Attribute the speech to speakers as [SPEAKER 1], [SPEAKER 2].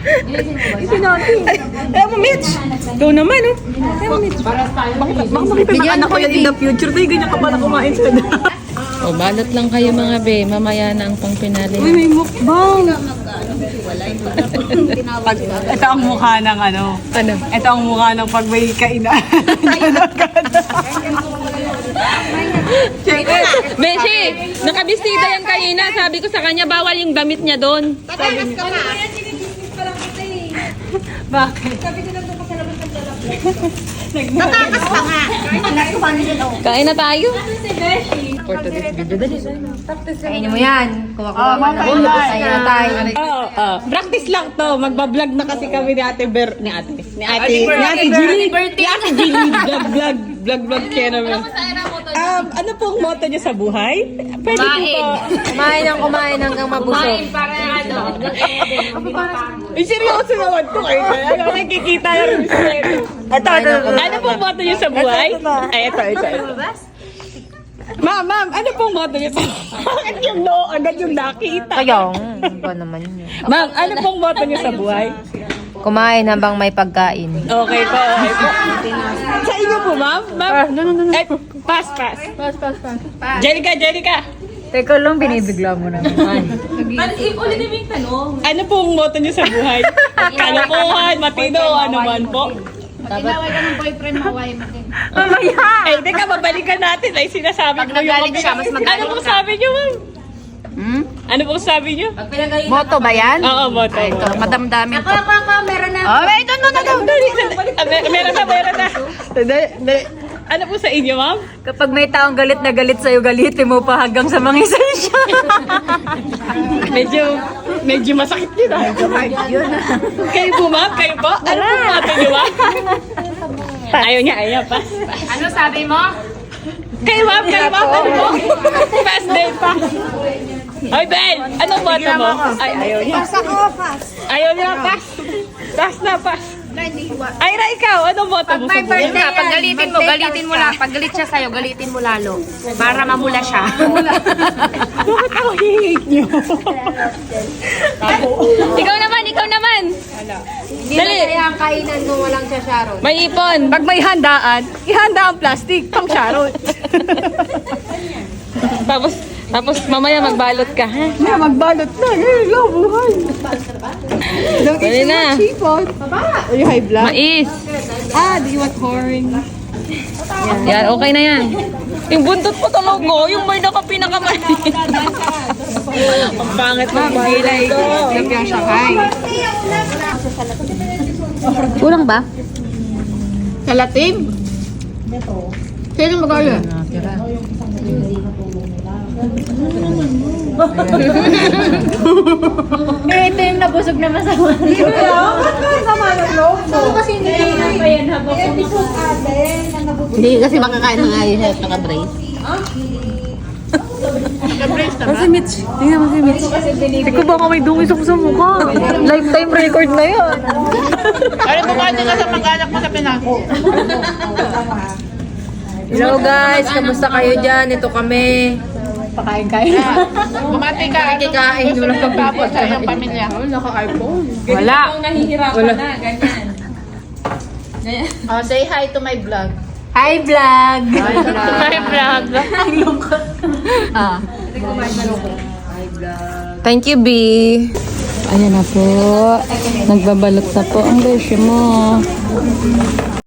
[SPEAKER 1] Kaya mo, Mitch. Ikaw naman, oh. Kaya mo, Mitch. Baka makita ng anak ko yan in the future. Tayo, ganyan ka pala kumain sa
[SPEAKER 2] O, balot lang kayo mga be. Mamaya na ang pangpinali.
[SPEAKER 1] Uy, may mukbang. Ito ang mukha ng ano.
[SPEAKER 2] Ano?
[SPEAKER 1] Ito ang mukha ng pag may kainan.
[SPEAKER 2] Beshi, nakabistida yan kanina. Sabi ko sa kanya, bawal yung damit niya doon.
[SPEAKER 1] Bakit?
[SPEAKER 3] Natakas pa nga.
[SPEAKER 2] Kain na tayo.
[SPEAKER 3] Kainin mo yan. Kuha-kuha ka na. Kain na tayo.
[SPEAKER 1] Oo, practice lang to. Magbablog na kasi kami ni Ate Ni Ate Jilly. Ni Ate Jilly. Vlog siya naman. Ano pong motto niyo sa buhay? Pwede po po.
[SPEAKER 3] Kumain hanggang mabusog.
[SPEAKER 1] Ay, seryoso naman to kayo. Ano nakikita na rin siya. Ito. Ano pong motto niyo sa buhay? Ay, ito. Ma'am, ano pong motto niyo sa Bakit yung no? Agad yung nakita.
[SPEAKER 3] Kaya, ba naman yun?
[SPEAKER 1] Ma'am, ano pong motto niyo sa buhay?
[SPEAKER 3] Kumain habang may pagkain.
[SPEAKER 1] Okay po. Sa inyo po, ma'am? Ma'am? Eh, pass. Jellica.
[SPEAKER 3] Teka lang, binibigla mo naman.
[SPEAKER 2] Ulit yung tanong.
[SPEAKER 1] Ano pong motto niyo sa buhay? Kalokohan, matino, ano man po.
[SPEAKER 4] Inaway ka ng boyfriend mo, away mo din.
[SPEAKER 1] Eh, teka, babalikan natin. Ay, sinasabi ko yung
[SPEAKER 4] nagalit siya, mas magalit
[SPEAKER 1] Ano pong sabi niyo, ma'am? Ano pong sabi niyo?
[SPEAKER 3] Moto ba yan?
[SPEAKER 1] Oo, motto.
[SPEAKER 3] Ito, madamdamin ko.
[SPEAKER 4] Meron na.
[SPEAKER 3] Oh, wait, no.
[SPEAKER 1] Meron na. Ano po sa inyo, ma'am?
[SPEAKER 3] Kapag may taong galit na galit sa'yo, galitin mo pa hanggang sa mga esensya.
[SPEAKER 1] Medyo masakit yun, ah. Kayo po, ma'am? Kayo po? Ano po motto niyo, ma'am? Ayaw niya, pa.
[SPEAKER 4] Ano sabi mo?
[SPEAKER 1] Kayo, ma'am? Ano po? Pass din, pa. Ay, Ben! Anong motto mo? Ay, ayaw niya. Ayaw niya, pass. Pass na, pass. Ay, ikaw, anong motto mo sa buhay?
[SPEAKER 4] Yun nga, pag galitin mo lang. Pag galit siya sa'yo, galitin mo lalo. Para mamula siya.
[SPEAKER 1] Bakit ako hihate niyo?
[SPEAKER 2] Ikaw naman.
[SPEAKER 3] Hindi na kaya ang kainan kung walang siya, Sharon.
[SPEAKER 2] May ipon.
[SPEAKER 1] Pag may handaan, ihanda ang plastic, pang Sharon.
[SPEAKER 2] Tapos mamaya magbalot ka, ha?
[SPEAKER 1] Na, magbalot na. Hello, buhay. Don't
[SPEAKER 2] Dali
[SPEAKER 1] eat
[SPEAKER 2] na.
[SPEAKER 1] too much seafood. Are you high blood?
[SPEAKER 2] Mais.
[SPEAKER 1] Do you want corn?
[SPEAKER 2] Yan, okay na yan. Yung buntot po talaga, yung may pinakaman.
[SPEAKER 1] Ang pangit ng bagay ko. Lumpiang Shanghai.
[SPEAKER 3] Kulang ba?
[SPEAKER 1] Kalatim? Sino mag-order?
[SPEAKER 4] Ito yung nabusog na masama.
[SPEAKER 3] Hindi kasi makakain ng ayos at naka-brace.
[SPEAKER 1] Si Mitch. Tingnan mo si Mitch. Ikaw baka may dungis ako sa mukha. Lifetime record na yun.
[SPEAKER 4] Ano bumati ka sa mag-anak mo sa Pinas?
[SPEAKER 3] Hello guys, kamusta kayo dyan? Ito kami.
[SPEAKER 1] Pakain-kain.
[SPEAKER 4] Bumati ka.
[SPEAKER 3] Kikain nyo lang
[SPEAKER 4] Tapos sa iyong pamilya.
[SPEAKER 3] Wala.
[SPEAKER 2] Nahihirapan na, ganyan.
[SPEAKER 4] Oh, say hi to my vlog.
[SPEAKER 3] Hi vlog!
[SPEAKER 4] My vlog.
[SPEAKER 2] Thank you, B. Ayan na po. Nagbabalot na po ang beshi mo.